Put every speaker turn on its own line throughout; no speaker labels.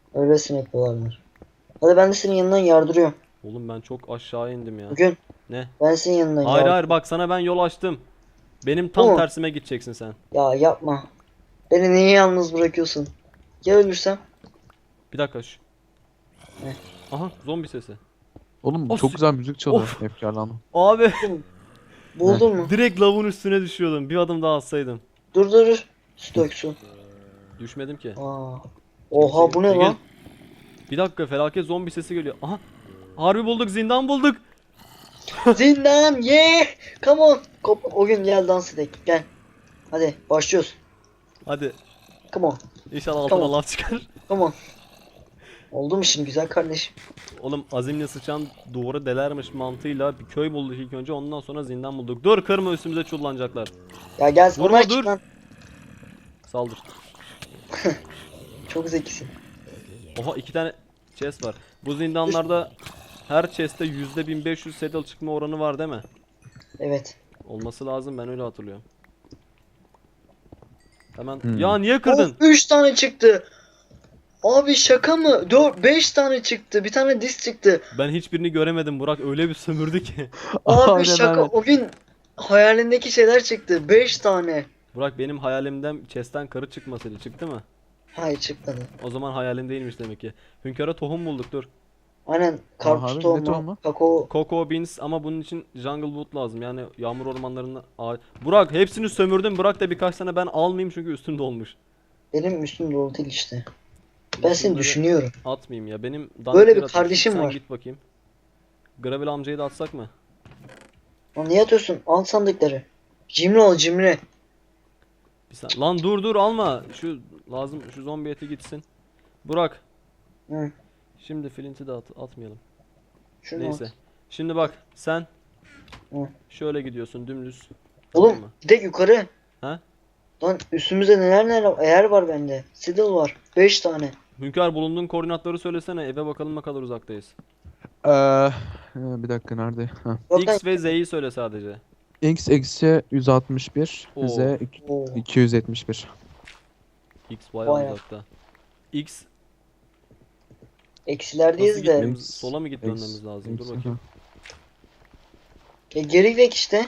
Öylesine yapıyorlar. Hadi ben de senin yanından yardırıyorum.
Oğlum ben çok aşağı indim ya.
Bugün
Ne?
ben senin yanından
Hayır hayır,
yardırıyorum.
bak sana ben yol açtım. Benim
Bu
tam
mu?
tersime gideceksin sen.
Ya yapma. Beni niye yalnız bırakıyorsun? Ya ölürsem?
Bir dakika şu.
Heh.
Aha, zombi sesi.
Oğlum çok
Of.
güzel müzik çalıyor.
Of.
Efkarlandım.
Abi
Buldun mu?
Ne?
Buldun mu?
direkt lavun üstüne düşüyordum. Bir adım daha atsaydım.
Dur dur dur. Su dök su.
Düşmedim ki.
Aa.
Kimse...
Oha bu ne
Egil.
lan?
Bir dakika, felaket zombi sesi geliyor. Aha. Harbi bulduk, zindan bulduk.
Zindan yeah. Come on. O gün gel dans edelim. Gel. Hadi başlıyoruz.
Hadi.
Come on.
İnşallah
Tamam.
altıma laf çıkar.
Come on. Oldu mu şimdi güzel kardeşim?
Oğlum azimle sıçan duvarı delermiş mantığıyla bir köy bulduk ilk önce, ondan sonra zindan bulduk. Dur kırma, üstümüze çullanacaklar.
Ya gel
Vurma,
onlar
dur.
çık lan.
Saldır.
Çok zekisin.
Oha, 2 tane chest var. Bu zindanlarda her chest'te %1500 saddle çıkma oranı var değil mi?
Evet.
Olması lazım, ben öyle hatırlıyorum. Hemen
Hmm.
ya niye kırdın?
3 tane çıktı. Abi şaka mı? 4 5 tane çıktı. Bir tane disk çıktı.
Ben hiçbirini göremedim, Burak öyle bir sömürdü ki.
Abi
Aynen,
şaka.
aynen.
O gün hayalindeki şeyler çıktı. 5 tane.
Burak, benim hayalimden chest'ten karı çıkmasıydı, çıktı mı?
Hayır çıkmadı.
O zaman hayalim değilmiş demek ki. Hünkâr'a tohum bulduk, dur.
Aynen karpuz
harbi, ne
tohumu,
tohumu?
kakao.
Cocoa beans, ama bunun için jungle wood lazım, yani yağmur ormanlarında. Burak hepsini sömürdüm, Burak da birkaç tane ben almayayım çünkü üstümde olmuş.
Benim üstüm dolu değil işte. Ben seni
Şunları
düşünüyorum.
atmayayım ya, benim
Böyle
danetleri
bir
atayım.
kardeşim
Sen
var.
git bakayım. Gravel amcayı da atsak mı?
Lan niye atıyorsun? Al sandıkları. Cimri ol cimri.
Lan dur dur, alma. Şu lazım, şu zombi eti gitsin. Burak,
Hı.
şimdi Flint'i de atmayalım.
Şunu
Neyse.
at.
Şimdi bak sen
Hı.
şöyle gidiyorsun dümdüz.
Oğlum
Tamam mı?
bir de yukarı.
Ha?
Lan üstümüzde neler eğer var bende. Saddle var. 5 tane.
Hünkar, bulunduğun koordinatları söylesene, eve bakalım ne kadar uzaktayız.
Bir dakika nerede? Ha.
Yok lan.
X ve Z'yi söyle sadece.
X eksi 161, Z
Oo.
Oo.
271.
X bayağı
Bayağı.
uzakta. X nasıl
Eksilerdeyiz de.
gitmemiz? Sola mı gitmemiz
X,
lazım? Dur
X,
bakayım.
Geri gidek işte.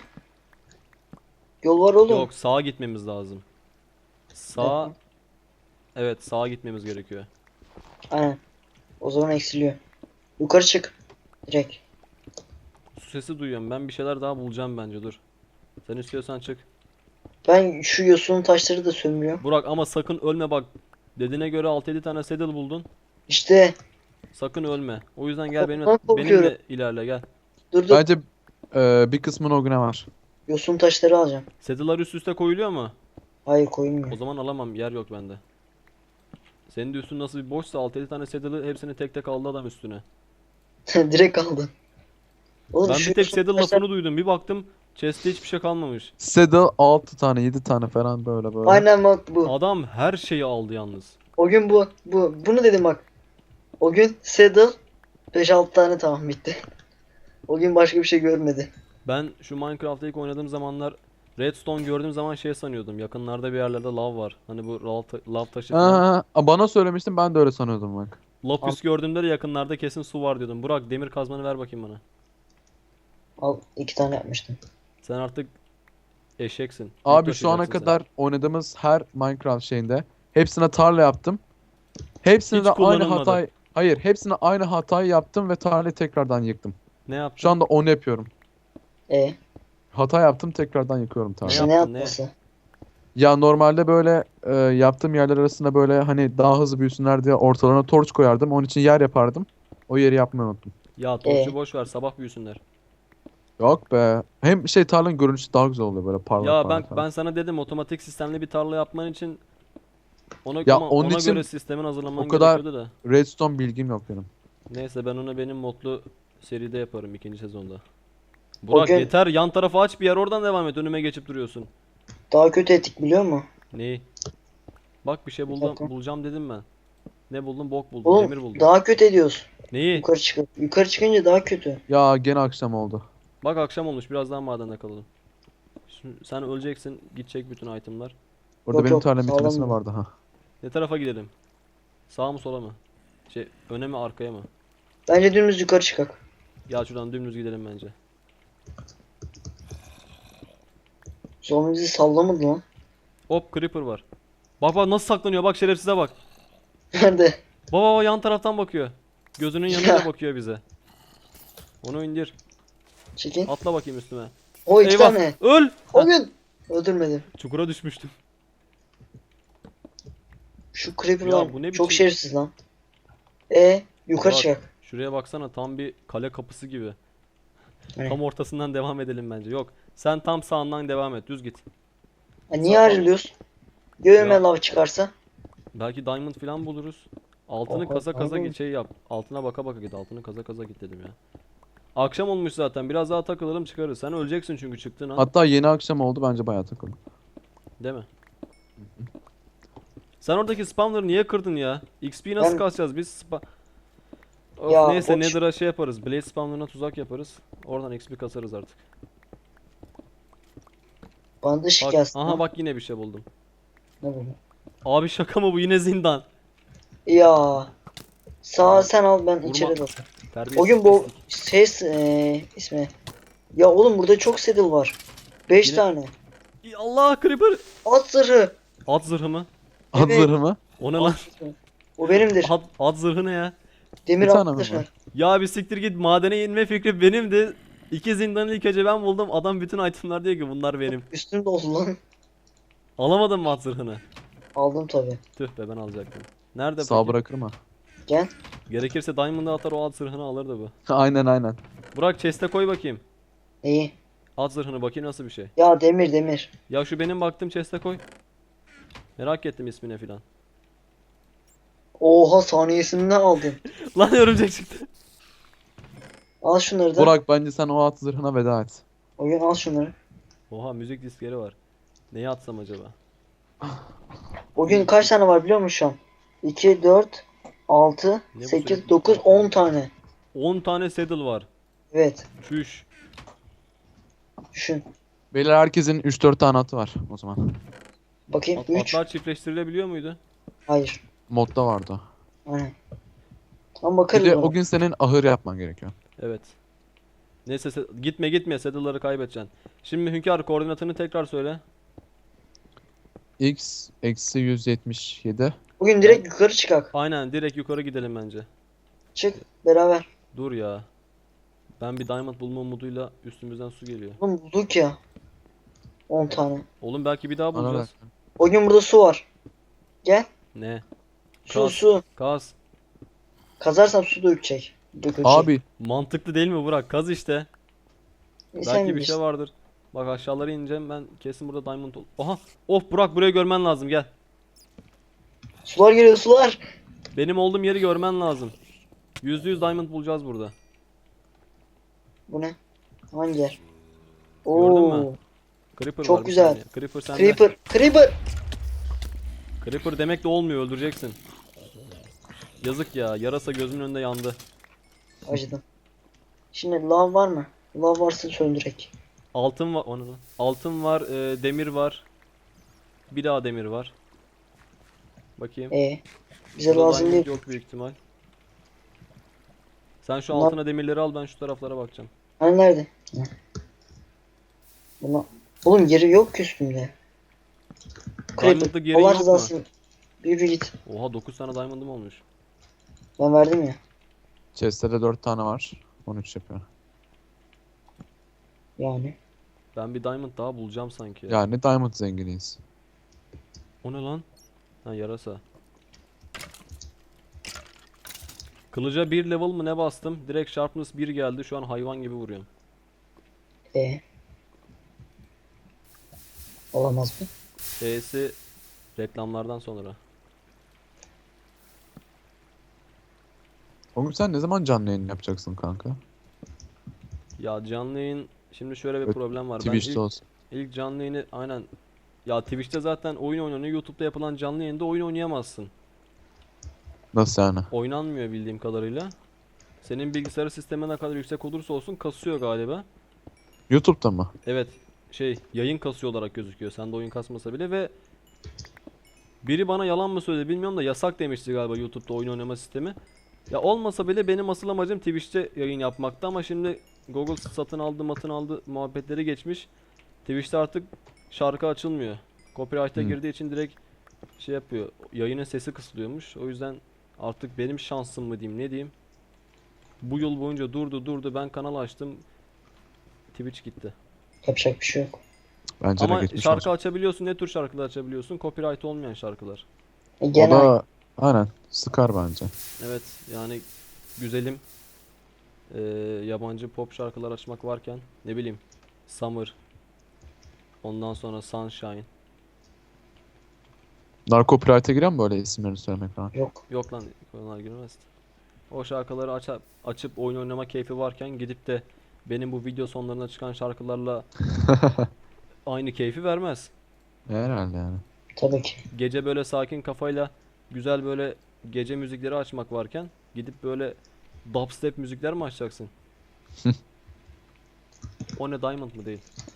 Yol var oğlum.
Yok, sağa gitmemiz lazım. Sağ. Evet, sağa gitmemiz gerekiyor.
Aynen. O zaman eksiliyor. Yukarı çık. Direkt.
Su sesi duyuyorum. Ben bir şeyler daha bulacağım bence, dur. Sen istiyorsan çık.
Ben şu yosunun taşları da sömürüyorum.
Burak, ama sakın ölme bak. Dediğine göre 6-7 tane saddle buldun.
İşte.
Sakın ölme. O yüzden gel
Ondan korkuyorum.
benimle ilerle, gel.
Dur dur.
Bence bir kısmını o güne var.
Yosun taşları alacağım.
Saddle'lar üst üste koyuluyor mu?
Hayır
O
koyulmuyor.
zaman alamam, yer yok bende. Senin de üstün nasıl bir boşsa 6-7 tane saddle'ı hepsini tek tek aldı adam üstüne.
Direkt aldın. Oğlum
Ben
şu
bir tek
yosun
saddle
taşlar...
lafını duydum. Bir baktım chest'te hiçbir şey kalmamış.
Saddle 6 tane 7 tane falan böyle.
Aynen bak bu.
Adam her şeyi aldı yalnız.
O gün bu. Bunu dedim bak. O gün saddle 5-6 tane tamam bitti. O gün başka bir şey görmedi.
Ben şu Minecraft'ta ilk oynadığım zamanlar Redstone gördüğüm zaman şey sanıyordum. Yakınlarda bir yerlerde lav var. Hani bu lav taşı falan.
Bana söylemiştin, ben de öyle sanıyordum bak.
Lapis gördüğümde de yakınlarda kesin su var diyordum. Burak, demir kazmanı ver bakayım bana.
Al 2 tane yapmıştım.
Sen artık eşeksin. Yük
Abi şu ana
taşıyacaksın sen.
kadar oynadığımız her Minecraft şeyinde hepsine tarla yaptım. Hepsine
Hiç
de aynı
kullanılmadı.
hatayı, hayır, hepsine aynı hatayı yaptım ve tarlayı tekrardan yıktım.
Ne yaptın?
Şu anda onu yapıyorum.
E
Hata yaptım, tekrardan yıkıyorum tarlayı.
işte ne
yaptın, ne?
yapması?
Ya normalde böyle yaptığım yerler arasında böyle hani daha hızlı büyüsünler diye ortalarına torç koyardım. Onun için yer yapardım. O yeri yapmayı unuttum.
Ya torçu boş ver, sabah büyüsünler.
Yok be. Hem tarlanın görünüşü daha güzel oluyor böyle parlak
Ya
parlak falan.
ben sana dedim, otomatik sistemli bir tarla yapman için
Ya
ama
onun
ona
için
göre sistemin hazırlaman
o kadar
gerekiyordu da.
Redstone bilgim yok benim.
Neyse, ben onu benim modlu seride yaparım ikinci sezonda. Burak
gün-
yeter, yan tarafı aç bir yer, oradan devam et, önüme geçip duruyorsun.
Daha kötü etik biliyor musun?
Neyi? Bak bir şey
Bir
buldum,
dakika.
bulacağım dedim ben. Ne buldum? Bok buldum,
Oğlum
demir buldum.
daha kötü ediyoruz.
Neyi?
Yukarı çıkınca daha kötü.
Ya gene akşam oldu.
Bak akşam olmuş, biraz daha madende kalalım. Şimdi sen öleceksin, gidecek bütün itemlar.
Orada
Yok,
benim
yok,
tarlam
sağlam
bitmesine
bu.
vardı ha.
Ne tarafa gidelim? Sağa mı sola mı? Şey öne mi arkaya mı?
Bence dümdüz yukarı çıkak.
Gel şuradan dümdüz gidelim bence.
Zombi bizi sallamadı lan.
Hop creeper var. Bak bak nasıl saklanıyor, bak şerefsize bak.
Nerede?
Baba yan taraftan bakıyor. Gözünün yanıyla bakıyor bize. Onu indir.
Çekin.
Atla bakayım üstüme.
O iki
Eyvah.
tane.
Öl.
O gün. Öldürmedim.
Çukura düşmüştüm.
Şu creeper
Ya
var.
bu ne
Çok
biçim-
şerefsiz lan. Yukarı
Bak,
çıkak.
şuraya baksana, tam bir kale kapısı gibi.
Ne?
Tam ortasından devam edelim bence. Yok. Sen tam sağından devam et. Düz git.
Ha, niye ayrılıyoruz? Göğüme
Ya.
lav çıkarsa.
Belki diamond falan buluruz. Altını
Oha,
kaza kaza
diamond.
git, şey yap. Altına baka baka git. Altını kaza kaza git dedim ya. Akşam olmuş zaten. Biraz daha takılalım çıkarız. Sen öleceksin çünkü çıktığın an.
Hatta yeni akşam oldu, bence bayağı takıldım.
Değil mi? Sen oradaki spamları niye kırdın ya? XP nasıl
Ben-
kasacağız biz? Of,
Ya,
neyse,
boş-
Nether'a şey yaparız. Blaze spamlarına tuzak yaparız. Oradan XP kasarız artık.
Bana da ışık
Bak,
gelsin.
aha
lan.
bak yine bir şey buldum.
Ne bu?
Abi şaka mı bu? Yine zindan.
Ya. Sağ sen al, ben içeri dalayım.
Terbiyesiz
O gün bu
pislik.
ismi. Ya oğlum burada çok saddle var. 5
Yine-
tane.
Allah, creeper.
At zırhı.
At zırhı mı?
At
Evet.
zırhı mı?
O ne lan?
O benimdir.
At zırhı ne ya?
Demir
Bir tane
at
mi
zırhı.
var?
Ya bir siktir git, madene inme fikri benimdi. İki zindanı ilk önce ben buldum. Adam bütün itemler diyor ki bunlar benim.
Üstüm doldu lan.
Alamadın mı at zırhını?
Aldım tabi.
Tüh be, ben alacaktım. Nerede
Sağ
peki?
bırakır mı?
Gel.
Gerekirse Diamond'ı atar, o at zırhını alırdı bu.
Aynen aynen.
Burak chest'e koy bakayım.
İyi.
At zırhını bakayım nasıl bir şey.
Ya demir.
Ya şu benim baktığım chest'e koy. Merak ettim ismine filan.
Oha, saniyesinde aldın.
Lan örümcek çıktı.
Al şunları da.
Burak, bence sen o at zırhına veda et.
O gün al şunları.
Oha, müzik diskleri var. Neyi atsam acaba?
O gün kaç tane var biliyor musun şu an? 2, 4, 6,
Ne bu
8,
sürekli?
9, 10 tane.
10 tane saddle var.
Evet.
Çüş.
Düşün.
Beyler, herkesin 3-4 tane atı var o zaman.
Bakayım. 3.
Atlar çiftleştirilebiliyor muydu?
Hayır.
Modda vardı o.
Aynen. Ama
Bir
bakarız
de
ona.
o gün senin ahır yapman gerekiyor.
Evet. Neyse, gitme saddle'ları kaybedeceksin. Şimdi Hünkar, koordinatını tekrar söyle.
X eksi 177.
Bugün direkt yukarı çıkak.
Aynen, direkt yukarı gidelim bence.
Çık beraber.
Dur ya. Ben bir diamond bulma umuduyla üstümüzden su geliyor.
Oğlum bulduk ya. 10 tane.
Oğlum belki bir daha
Bana
bulacağız.
bak.
O gün burada su var. Gel.
Ne?
Su
Kaz.
su.
Kaz.
Kazarsam su dökecek. Dökülecek.
Abi
Mantıklı değil mi Burak? Kaz işte.
Sen
Belki bir
bilirsin.
şey vardır. Bak aşağılara ineceğim ben, kesin burada diamond ol. Oha! Of Burak, burayı görmen lazım, gel.
Sular geliyor, sular.
Benim olduğum yeri görmen lazım. %100 diamond bulacağız burada.
Bu ne? Hangi yer?
Gördün mü?
Oo.
Creeper
Çok
var bir
güzel.
saniye. Creeper sende.
Creeper. Creeper.
Creeper demek de olmuyor, öldüreceksin. Yazık ya, yarasa gözümün önünde yandı.
Acıdım. Şimdi lav var mı? Lav varsa söndürek.
Altın var, onu. Altın var, demir var. Bir daha demir var. Bakayım.
Bize
Burada
lazım
diamond
değil.
yok büyük ihtimal. Sen şu
Bunlar-
altına demirleri al, ben şu taraflara bakacağım.
Hani nerede? Hı. Buna... Oğlum yeri yok ki üstümde.
Diamond'lık
Creeper.
yerin
Allah
yok mu?
rızası. Yürü git.
Oha, 9 tane diamond'ım olmuş.
Ben verdim ya.
chest'te de 4 tane var. 13 yapıyor.
Yani.
Ben bir diamond daha bulacağım sanki. Ya.
Yani diamond zenginiyiz.
O ne lan? Ha, yarasa. Kılıca 1 level mı ne bastım? Direkt sharpness 1 geldi. Şu an hayvan gibi vuruyorum.
Olamaz mı?
E'si reklamlardan sonra.
O gün sen ne zaman canlı yayın yapacaksın kanka?
Ya canlı yayın, şimdi şöyle bir
Evet,
problem var. Ben
Twitch'te
ilk,
olsun.
ilk canlı yayını aynen, ya Twitch'te zaten oyun oynanıyor. YouTube'da yapılan canlı yayında oyun oynayamazsın.
Nasıl yani?
Oynanmıyor bildiğim kadarıyla. Senin bilgisayar sistemi ne kadar yüksek olursa olsun kasıyor galiba.
YouTube'da mı?
Evet, şey, yayın kasıyor olarak gözüküyor. Sende oyun kasmasa bile ve Biri bana yalan mı söyledi bilmiyorum da yasak demişti galiba YouTube'da oyun oynama sistemi. Ya olmasa bile benim asıl amacım Twitch'te yayın yapmakta ama şimdi Google satın aldı muhabbetleri geçmiş. Twitch'te artık şarkı açılmıyor. Copyright'a girdiği için direkt şey yapıyor. Yayının sesi kısılıyormuş. O yüzden artık benim şansım mı diyeyim ne diyeyim. Bu yıl boyunca durdu ben kanal açtım. Twitch gitti.
Yapacak bir şey yok.
Bence de
Ama
geçmiş
şarkı
olsun.
açabiliyorsun. Ne tür şarkılar açabiliyorsun? Copyright olmayan şarkılar.
O
Genel.
da aynen sıkar bence.
Evet yani güzelim yabancı pop şarkılar açmak varken ne bileyim Summer, ondan sonra Sunshine.
Narko Copyright'a giren mi böyle isimlerini söylemek falan?
Yok.
Yok lan onlar girmez. O şarkıları açıp oyun oynama keyfi varken gidip de benim bu video sonlarına çıkan şarkılarla aynı keyfi vermez.
Herhalde yani.
Tabii ki.
Gece böyle sakin kafayla güzel böyle gece müzikleri açmak varken gidip böyle dubstep müzikler mi açacaksın? O ne Diamond mı değil?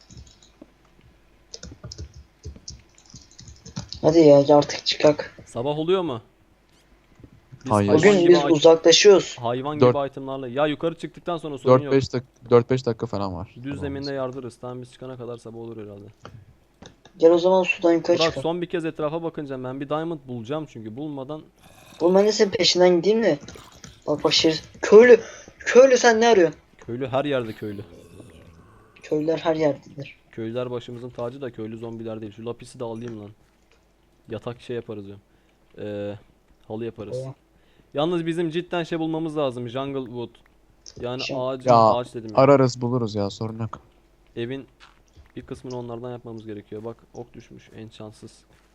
Hadi ya artık çıkak.
Sabah oluyor mu? Biz
Hayır.
hayvan
Bugün
gibi
biz uzaklaşıyoruz.
hayvan
Dört-
gibi itemlarla. Ya yukarı çıktıktan sonra sorun yok.
4-5 dakika falan var.
Düz
Tamam.
zeminde yardırırız. Tamam biz çıkana kadar sabah olur herhalde.
Gel o zaman sudan yukarı
Burak
çıkalım.
son bir kez etrafa bakınca ben bir diamond bulacağım çünkü bulmadan
Oğlum ben de senin peşinden gideyim de. Bak şerif. Köylü. Köylü sen ne arıyorsun?
köylü her yerde köylü.
Köylüler her yerdedir.
Köylüler başımızın tacı da köylü zombiler değil. Şu lapisi de alayım lan. Yatak şey yaparız diyorum. Halı yaparız.
Tamam.
Yalnız bizim cidden şey bulmamız lazım. Jungle wood. Yani
Şimdi-
ağaç dedim ya.
Ararız buluruz ya, sorun yok.
Evin bir kısmını onlardan yapmamız gerekiyor. Bak ok düşmüş en şanssız.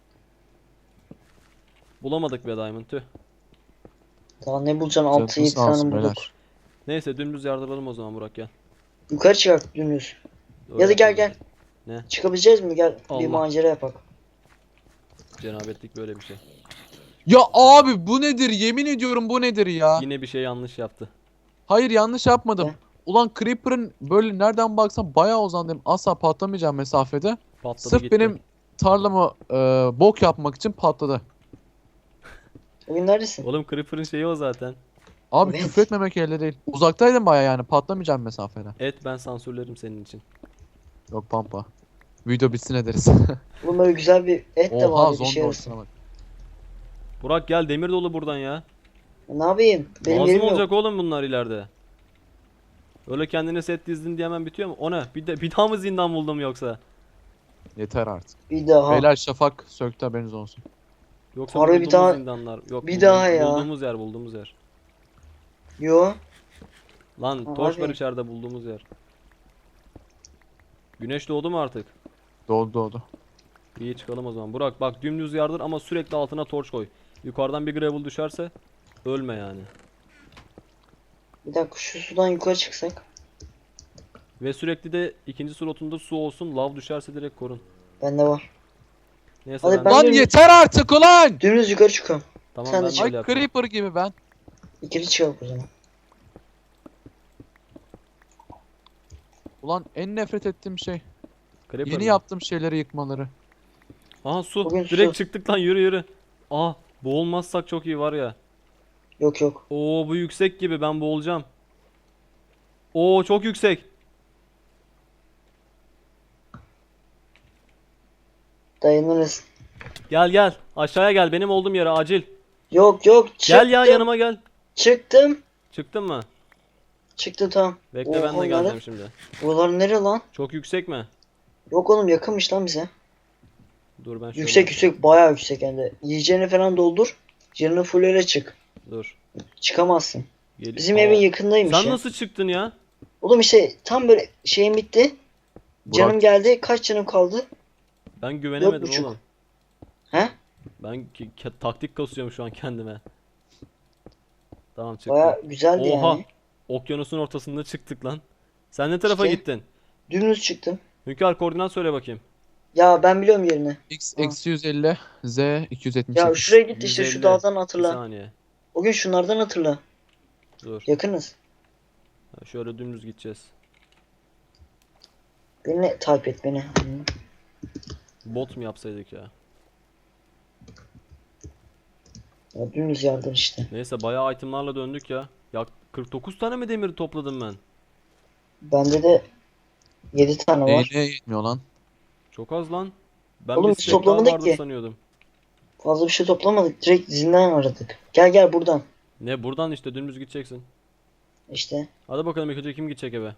Bulamadık be Diamond tüh.
Daha ne bulacaksın?
Canınız
6-7
sağ olsun
tane bulduk.
beyler.
Neyse dümdüz yardıralım o zaman Burak gel.
Yukarı çıkak dümdüz.
Öyle
Ya da gel
yapalım.
gel.
Ne?
Çıkabileceğiz mi? Gel
Allah.
bir macera yapak.
Cenabetlik böyle bir şey.
Ya abi bu nedir? Yemin ediyorum bu nedir ya?
Yine bir şey yanlış yaptı.
Hayır, yanlış yapmadım.
Ne?
Ulan Creeper'ın böyle nereden baksan bayağı uzandım. Asla patlamayacağım mesafede.
Patladı
Sırf
gitti.
benim tarlamı bok yapmak için patladı.
Bugün neredesin?
Oğlum Creeper'ın şeyi o zaten.
Abi
Evet.
küfretmemek elde değil. Uzaktaydım bayağı, yani patlamayacağım mesafede.
Et ben sansürlerim senin için.
Yok pampa. Video bitsin ederiz.
Oğlum böyle güzel bir et de
Oha
var bir
zombi
şey
ortasına
arasın.
bak.
Burak gel demir dolu buradan ya.
Ne yapayım? Benim
Lazım
yerim
olacak
yok.
oğlum bunlar ileride. Öyle kendine set dizdin diye hemen bitiyor mu? O ne? Bir daha mı zindan buldum yoksa?
Yeter artık.
Bir daha.
Beyler şafak söktü, haberiniz olsun.
Yoksa
Harbi bir
bulduğumuz
daha-
zindanlar. Yok
bir daha ya.
bulduğumuz yer.
Yo.
Lan
Ha,
torç var
abi.
içeride bulduğumuz yer. Güneş doğdu mu artık?
Doğdu.
İyi çıkalım o zaman. Burak bak dümdüz yardır ama sürekli altına torç koy. Yukarıdan bir gravel düşerse ölme yani.
Bir dakika şu sudan yukarı çıksak.
Ve sürekli de ikinci slotunda su olsun. Lav düşerse direkt korun.
Bende var.
Neyse
Hadi
ben,
ben-
Lan yeter artık ulan!
Dümdüz yukarı çıkıyorum.
tamam
sen de
ben
çık.
Ay
böyle yapacağım.
Creeper gibi ben.
İkili çıkalım o zaman.
Ulan en nefret ettiğim şey.
Creeper
Yeni
mi?
yaptığım şeyleri yıkmaları.
Aha su.
Bugün
Direkt
su.
çıktık lan yürü. Aa boğulmazsak çok iyi var ya.
Yok.
Oo bu yüksek gibi ben boğulacağım. Oo çok yüksek.
Dayanırız.
Gel aşağıya gel benim olduğum yere acil.
Yok.
Gel ya
Çıktım.
yanıma gel.
Çıktım.
Çıktın mı?
Çıktım tamam.
Bekle ben de
Oha,
geleceğim
nerede?
şimdi.
Buralar nere lan?
Çok yüksek mi?
Yok oğlum yakınmış lan bize.
Dur ben şöyle
Yüksek bayağı yüksek hem de. Yiyeceğini falan doldur. Canını fullere çık.
Dur.
Çıkamazsın.
Gel.
Bizim
Aa,
evin yakındaymış
sen
ya.
nasıl çıktın ya?
Oğlum işte tam böyle şeyim bitti. Canım
Burak.
geldi. Kaç canım kaldı?
Ben güvenemedim
4,5.
oğlum.
He?
Ben taktik kasıyorum şu an kendime. Tamam çıktım.
Bayağı güzeldi
Oha.
yani.
Okyanusun ortasında çıktık lan. Sen ne tarafa
İşte.
gittin?
Dümdüz çıktım.
Hünkar koordinat söyle bakayım.
Ya ben biliyorum yerini.
X
Aa.
eksi 150, Z 278.
Ya şuraya git işte
150.
şu dağdan
Bir
hatırla.
saniye.
O gün şunlardan hatırla.
Dur.
Yakınız.
Ha, şöyle dümdüz gideceğiz.
Beni takip et beni. Hı.
Bot mu yapsaydık ya?
Ya dümdüz yardım işte.
Neyse bayağı itemlarla döndük ya. Ya 49 tane mi demir topladım ben?
Bende de 7 tane var.
Neye yetmiyor lan?
Çok az lan. Ben
Oğlum
bir
biz
stack daha
toplamadık
vardı
ki.
sanıyordum.
Fazla bir şey toplamadık. Direkt zindan aradık. Gel gel buradan.
Ne buradan işte dümdüz gideceksin.
İşte.
Hadi bakalım ilk önce kim gidecek eve?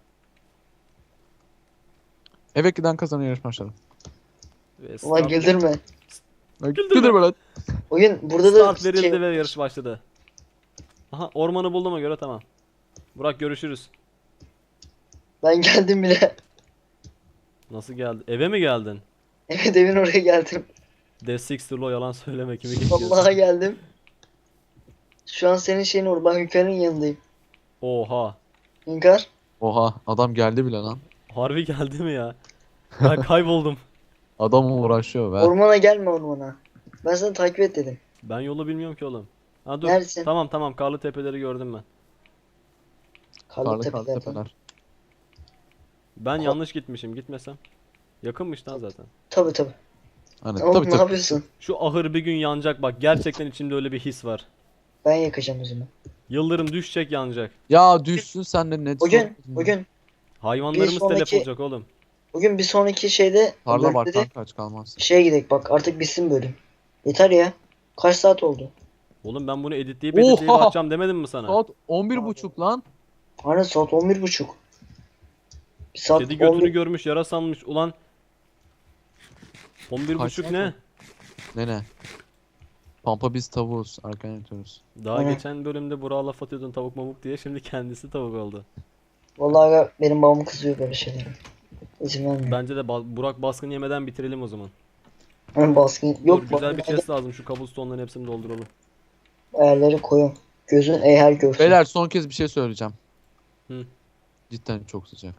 Eve giden kazanıyor yarış başladı.
Ve
Ulan
start,
güldürme.
Güldürme.
Güldürme lan.
Bugün burada da
start verildi
şey-
ve yarış başladı. Aha ormanı bulduğuma göre tamam. Burak görüşürüz.
Ben geldim bile.
Nasıl geldi? Eve mi geldin?
Evet evin oraya geldim.
D6'lo yalan söyleme kimi geçiyorsun?
Vallahi geldim. Şu an senin şeyin orada. Ben Hünkar'ın yanındayım.
Oha.
Hünkar.
Oha adam geldi bile lan.
Harbi geldi mi ya? Ben kayboldum.
Adam uğraşıyor be.
Ormana gelme ormana. Ben sana takip et dedim.
Ben yolu bilmiyorum ki oğlum. Ha dur.
Neredesin?
Tamam tamam karlı tepeleri gördüm ben.
Karlı
Karlı karlı
tepelerden.
tepeler.
Ben yanlış gitmişim gitmesem. Yakınmış lan zaten.
Tabi tabi.
Hani
Oğlum
tabii
ne
tabii.
yapıyorsun?
Şu ahır bir gün yanacak bak gerçekten içimde öyle bir his var.
Ben yakacağım o zaman.
Yıldırım düşecek yanacak.
Ya düşsün sen de net.
Hayvanlarımız
Bir sonraki-
telef olacak oğlum.
Bugün bir sonraki şeyde
Tarla var
bölümde de
kanka aç kalmaz.
şeye gidelim bak artık bitsin bölüm. Yeter ya. Kaç saat oldu?
Oğlum ben bunu editleyip
Oha!
atacağım demedim mi sana?
Saat 11.30 lan.
Aynen saat 11.30. Bir saat
Kedi götünü
11.
görmüş yara sanmış ulan. 11.30
Kaç
ne?
Ne? Pampa biz tavuğuz. Erken yatıyoruz.
Daha
Aynen.
geçen bölümde Burak'a laf atıyordun tavuk mamuk diye şimdi kendisi tavuk oldu.
Vallahi aga, benim babam kızıyor böyle şeylere. İzin vermiyor.
Bence de Burak baskın yemeden bitirelim o zaman.
Ben baskın
Dur,
yok
güzel bir
bak,
chest lazım şu cobblestone'ların hepsini dolduralım.
ayarları koyun. Gözün eğer görsün.
Beyler son kez bir şey söyleyeceğim.
Hı.
Cidden çok sıcak.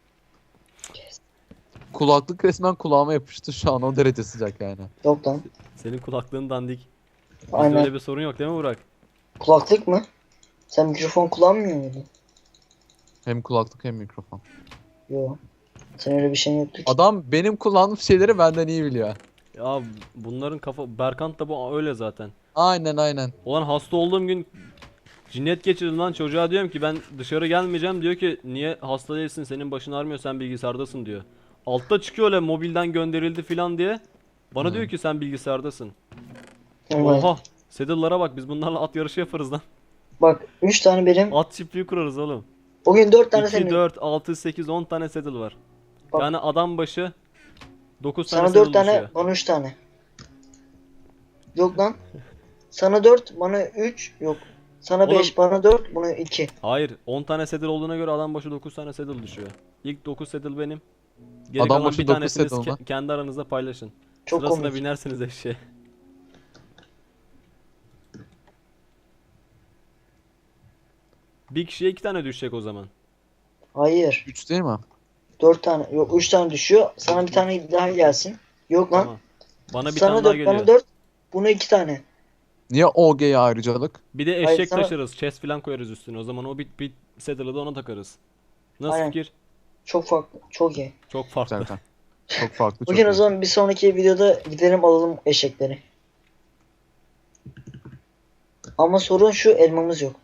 Kulaklık resmen kulağıma yapıştı şu an o derece sıcak yani.
Yok lan.
Senin kulaklığın dandik. Bizde
Aynen.
öyle bir sorun yok değil mi Burak?
Kulaklık mı? Sen mikrofon kullanmıyor muydun?
Hem kulaklık hem mikrofon.
Yok. Sen öyle bir şeyin yoktu ki.
Adam benim kullandığım şeyleri benden iyi biliyor.
Ya bunların kafa Berkant da bu öyle zaten.
Aynen.
Ulan hasta olduğum gün cinnet geçirdim lan çocuğa diyorum ki ben dışarı gelmeyeceğim diyor ki niye hasta değilsin senin başın ağrımıyor sen bilgisayardasın diyor. Altta çıkıyor öyle mobilden gönderildi filan diye. Bana
Hı.
diyor ki sen bilgisayardasın.
Evet.
Oha saddle'lara bak biz bunlarla at yarışı yaparız lan.
Bak 3 tane benim.
At çiftliği kurarız oğlum.
Bugün 4 tane
2,
senin.
4, 6, 8, 10 tane saddle var.
Bak.
Yani adam başı 9 tane
Sana
saddle
4 tane,
düşüyor.
bana 3 tane. Yok lan. Sana 4, bana 3. Yok. Sana
Oğlum-
5, bana 4, bana 2.
Hayır 10 tane saddle olduğuna göre adam başı 9 tane saddle düşüyor. İlk 9 saddle benim. Geri
Adam
kalan
başı
bir
9
tanesini
saddle mı?
kendi aranızda paylaşın.
Çok
Sırasına
komik.
binersiniz eşeğe. Bir kişiye 2 tane düşecek o zaman.
Hayır.
3 değil mi?
4 tane. Yok 3 tane düşüyor. Sana bir tane daha gelsin. Yok lan.
Tamam. Bana bir
Sana
tane daha
4,
geliyor.
bana 4. Buna 2 tane.
Niye OG'ye ayrıcalık?
Bir de
Hayır,
eşek
sana-
taşırız. Chest falan koyarız üstüne. O zaman o bir saddle'ı da ona takarız. Nasıl
Aynen.
fikir?
Çok farklı. Çok iyi.
Çok farklı.
Zaten. Çok farklı çok
Bugün o
iyi.
zaman bir sonraki videoda gidelim alalım eşekleri. Ama sorun şu, elmamız yok.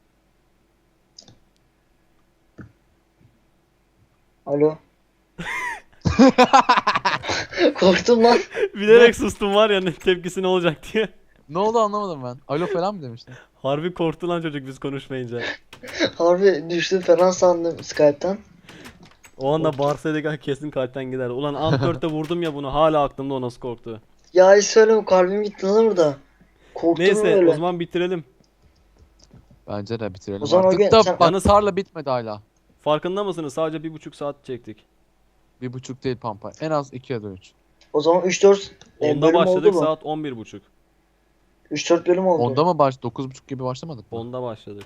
Alo. Korktum lan.
Bilerek sustum var ya ne tepkisi ne olacak diye.
Ne oldu anlamadım ben. Alo falan mı demiştin?
Harbi korktu lan çocuk biz konuşmayınca.
Harbi düştüm falan sandım Skype'tan.
O anda bağırsaydık kesin kalpten gider. Ulan Antwerp'te vurdum ya bunu hala aklımda o nasıl korktu.
Ya hiç söyleme, kalbim gitti lan burada. Korktum
Neyse
öyle.
o zaman bitirelim.
Bence de bitirelim
O zaman o
artık
gün
da
sen-
bak
Yalnız-
tarla bitmedi hala.
Farkında mısınız? Sadece 1,5 saat çektik.
1.5 değil pampa. En az 2 ya da 3.
O zaman 3-4
Onda
bölüm
başladık
oldu mu?
saat 11.30.
3-4 bölüm oldu.
Onda mı 9.30 gibi başlamadık mı?
Onda başladık.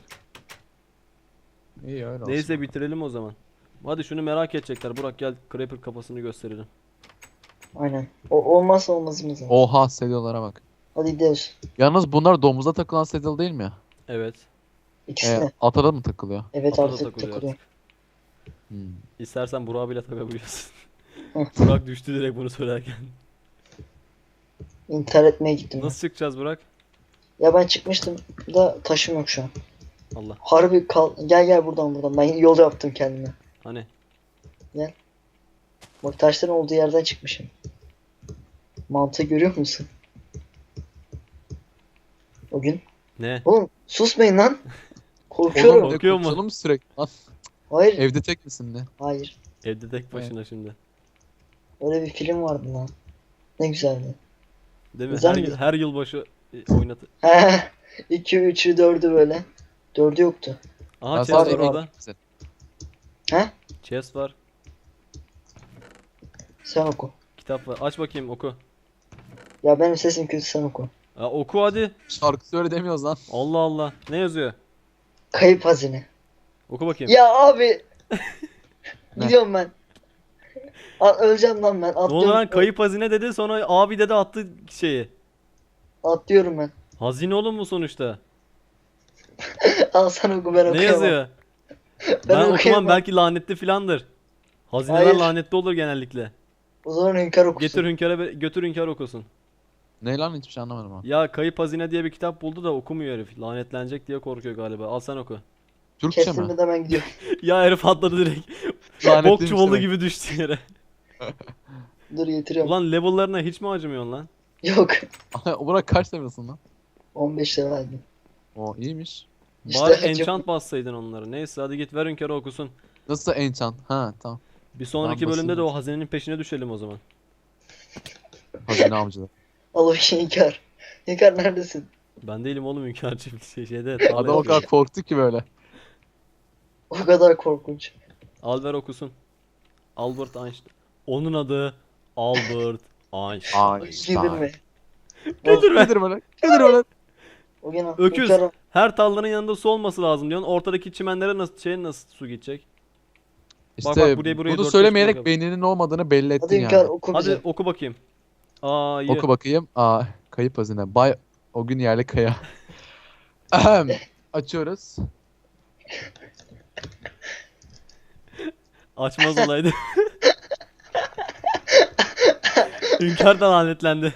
İyi öyle olsun.
Neyse bitirelim o zaman. Hadi şunu merak edecekler. Burak gel Creeper kafasını gösterelim.
Aynen. O olmazsa olmazımız.
Oha sedyolara bak.
Hadi gidiyoruz.
Yalnız bunlar domuza takılan sedye değil mi?
Evet.
İkisi de.
Ata da mı takılıyor?
Evet
Ata da
artık
takılıyor
takılıyor.
artık.
Hmm.
İstersen Burak'a bile takabiliyorsun.
Hı.
Burak düştü direkt bunu söylerken.
İntihar etmeye gittim.
Nasıl çıkacağız Burak?
Ya ben çıkmıştım da taşım yok şu an.
Allah.
Harbi kal. Gel buradan. Ben yol yaptım kendime.
Hani
Bak taşların olduğu yerden çıkmışım. Mantığı görüyor musun? O gün.
ne?
Oğlum susmayın lan.
Oğlum
Korkuyorum.
ne
Korkuyor mu?
konuşalım sürekli lan.
Hayır.
Evde tek misin ne?
Hayır.
Evde tek başına şimdi.
Öyle bir film vardı lan. Ne güzeldi.
Değil mi?
Güzel
Her,
mi?
her yılbaşı oynatı.
He. 2, 3'ü, 4'ü böyle. 4'ü yoktu.
Aha
Ben
chest var
sadece
orada.
He?
Chest var.
Sen oku.
Kitap var. Aç bakayım oku.
Ya benim sesim kötü, sen oku.
Oku hadi.
Şarkı söyle demiyoruz lan.
Allah Allah. Ne yazıyor?
Kayıp hazine.
Oku bakayım.
Ya abi.
Ne?
Gidiyorum ben. Öleceğim lan ben.
Ne oldu
Atlıyorum.
lan? Kayıp hazine dedi, sonra abi dedi, attı şeyi.
Atlıyorum ben.
Hazine oğlum bu sonuçta.
Al sen oku, ben
Ne
okuyamam.
yazıyor?
Ben
Ben okumam,
okuyamam.
belki lanetli filandır. Hazineler
Hayır.
lanetli olur genellikle.
O zaman Hünkar okusun.
Getir Hünkâr'a, götür Hünkâr okusun.
Ne lan hiçbir şey anlamadım ha.
Ya kayıp hazine diye bir kitap buldu da okumuyor herif. Lanetlenecek diye korkuyor galiba. Al sen oku.
Türkçe mi?
Kesinlikle ben gidiyorum.
Ya herif atladı direkt. Bok
Lanetliymiş
çuvalı
demek.
gibi düştü yere.
Dur getiriyorum.
Ulan level'larına hiç mi acımıyorsun lan?
Yok.
Burak kaç level'sın lan?
15 lira verdim.
O iyiymiş.
İşte
Bari
çok-
enchant bassaydın onları. Neyse hadi git ver Hünkâr'a okusun.
Nasıl enchant? Ha tamam.
Bir sonraki
Ben
bölümde de
basayım.
o hazinenin peşine düşelim o zaman.
Hazine avcıları.
Al o Hünkar. Hünkar neredesin?
Ben değilim oğlum Hünkârcı şeyde.
Adam o
tarlaya-
kadar korktu ki böyle.
O kadar korkunç.
Al ver okusun. Albert Einstein. Onun adı Albert Einstein.
Girdirme.
Güldürme.
Nedir böyle? Nedir böyle?
O gün al.
Öküz.
Hünkar al.
Her tarlanın yanında su olması lazım diyorsun. Ortadaki çimenlere nasıl su gidecek? Bak,
İşte
buraya
bunu
dört
söylemeyerek
beş
beyninin olmadığını belli
Hadi
ettin
Hünkar
yani.
oku
Hadi
bize.
oku bakayım. Aa iyi.
Oku bakayım. Aa, kayıp hazine. Bay o gün yerli kaya. Ahem. Açıyoruz.
Açmaz olaydı. Hünkâr da lanetlendi.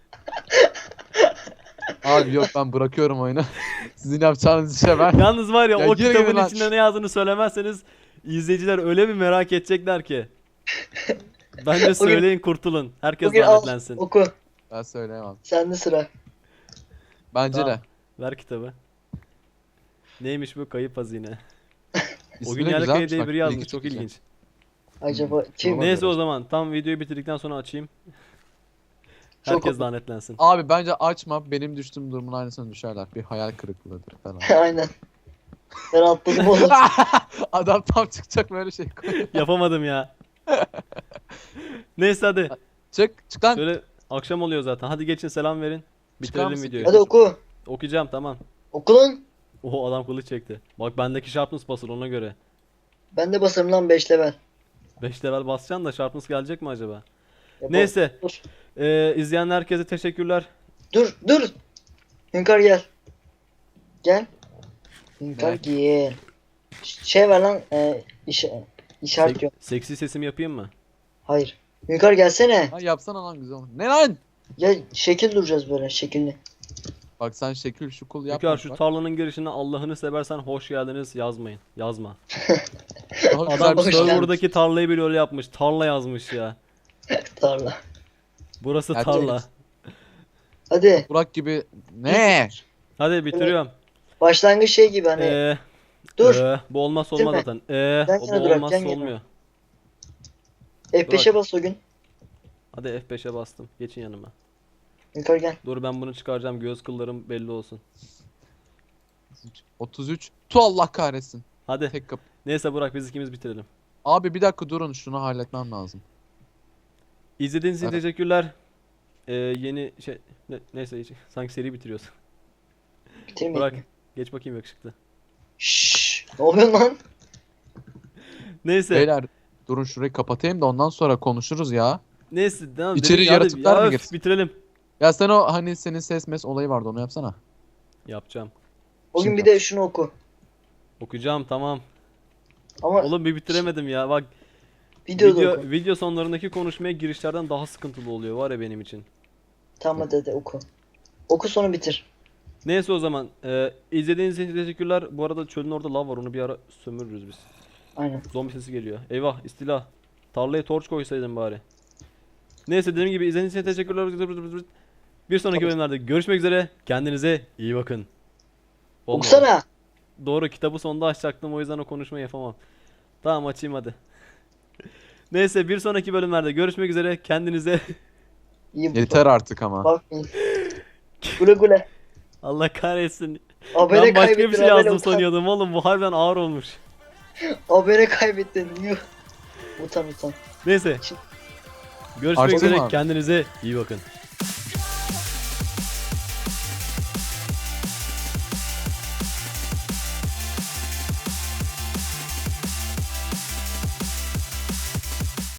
Abi yok ben bırakıyorum oyunu. Sizin yapacağınız işe ben.
Yalnız var ya,
Ya
o
gir
kitabın
gir lan.
içinde ne yazdığını söylemezseniz izleyiciler öyle bir merak edecekler ki. Bence söyleyin, kurtulun. Herkes
Bugün al.
lanetlensin.
Oku.
Ben söyleyemem.
Sende sıra.
Bence
Tamam.
de.
Ver kitabı. Neymiş bu kayıp hazine? O
İsmi
gün
de
yerli
güzelmiş
kaya diye
bak,
biri yazmış.
ilgi
Çok
çekici.
ilginç.
Acaba kim?
Tamam.
Neyse o zaman tam videoyu bitirdikten sonra açayım.
Çok
Herkes
oku.
lanetlensin.
Abi bence açma. Benim düştüğüm durumun aynısına düşerler. Bir hayal kırıklığıdır falan.
Aynen. Ben atladım oğlum.
Adam tam çıkacak böyle şey koyuyor.
Yapamadım ya. Neyse hadi.
Çık lan.
Şöyle akşam oluyor zaten. Hadi geçin, selam verin. Bitirelim
mısın?
videoyu.
Hadi oku.
Okuyacağım, tamam.
Oku lan.
Oho, adam kılıç çekti. Bak bendeki sharpness basır ona göre.
Ben de basarım lan 5 level.
5 level basacaksın da sharpness gelecek mi acaba?
Ya bu-
Neyse.
Dur.
İzleyen herkese teşekkürler.
Dur. Hünkar gel. Gel. Hünkar
Ne?
gel. Şey ver lan. İşaret yok.
Seksi sesimi yapayım mı?
Hayır. Hünkar gelsene.
Ha yapsana lan güzel. Ne lan?
Ya şekil duracağız böyle şekilli.
Bak sen şekil şu kul yapma.
Hünkar, şu tarlanın girişine Allah'ını seversen hoş geldiniz yazmayın. Yazma.
Adam
Adam
hoş geldin.
serverdaki tarlayı bile öyle yapmış. Tarla yazmış ya.
Tarla.
Burası
Gerçek.
tarla.
Hadi.
Burak gibi. Ne?
Hadi bitiriyorum.
Başlangıç şey gibi hani. Dur.
Bu olmazsa olmaz
Bitirme.
zaten.
Yan
O
yana
bu
durak,
olmazsa
yan yana.
olmuyor.
F5'e bas o gün.
Hadi F5'e bastım. Geçin yanıma.
Hünkar gel.
Dur ben bunu çıkaracağım. Göz kıllarım belli olsun.
33. Tu Allah kahretsin.
Hadi.
Tek kapı.
Neyse Burak, biz ikimiz bitirelim.
Abi bir dakika durun şunu halletmem lazım.
İzlediğiniz için
Evet.
teşekkürler. Yeni şey neyse sanki seri bitiriyoruz.
Bitirmeyin.
Burak geç bakayım yakışıklı.
Şşş. Ne oluyor lan?
Neyse.
Beyler durun şurayı kapatayım da ondan sonra konuşuruz ya.
Neyse tamam.
İçeri
dedik ya, hadi
yaratıklar mı
öf,
girsin?
bitirelim.
Ya sen o hani senin ses mes olayı vardı onu yapsana.
Yapacağım.
O gün
Şimdi
bir de şunu oku.
Okuyacağım, tamam.
Ama
Oğlum bir bitiremedim ya. Bak
videoda oku.
video sonlarındaki konuşmaya girişlerden daha sıkıntılı oluyor var ya benim için.
Tamam hadi oku. Oku sonra bitir.
Neyse o zaman izlediğiniz için teşekkürler. Bu arada çölün orada lav var, onu bir ara sömürürüz biz.
Aynen.
Zombi sesi geliyor. Eyvah, istila. Tarlaya torç koysaydım bari. Neyse, dediğim gibi izlediğiniz için teşekkürler. Bir sonraki bölümlerde görüşmek üzere. Kendinize iyi bakın. Olmadı.
Okusana.
Doğru, kitabı sonda açacaktım, o yüzden o konuşmayı yapamam. Tamam, açayım hadi. Neyse, bir sonraki bölümlerde görüşmek üzere. Kendinize
İyi
Yeter artık ama.
bakmayın. Güle güle.
Allah kahretsin.
Abone
Ben başka bir
kaybettin.
şey yazdım
abone utan.
sanıyordum oğlum, bu harbiden ağır olmuş.
Abone kaybettin. Yuh. Utan utan.
Neyse.
Şimdi-
Görüşmek
Açtın
üzere.
mı?
Kendinize iyi bakın.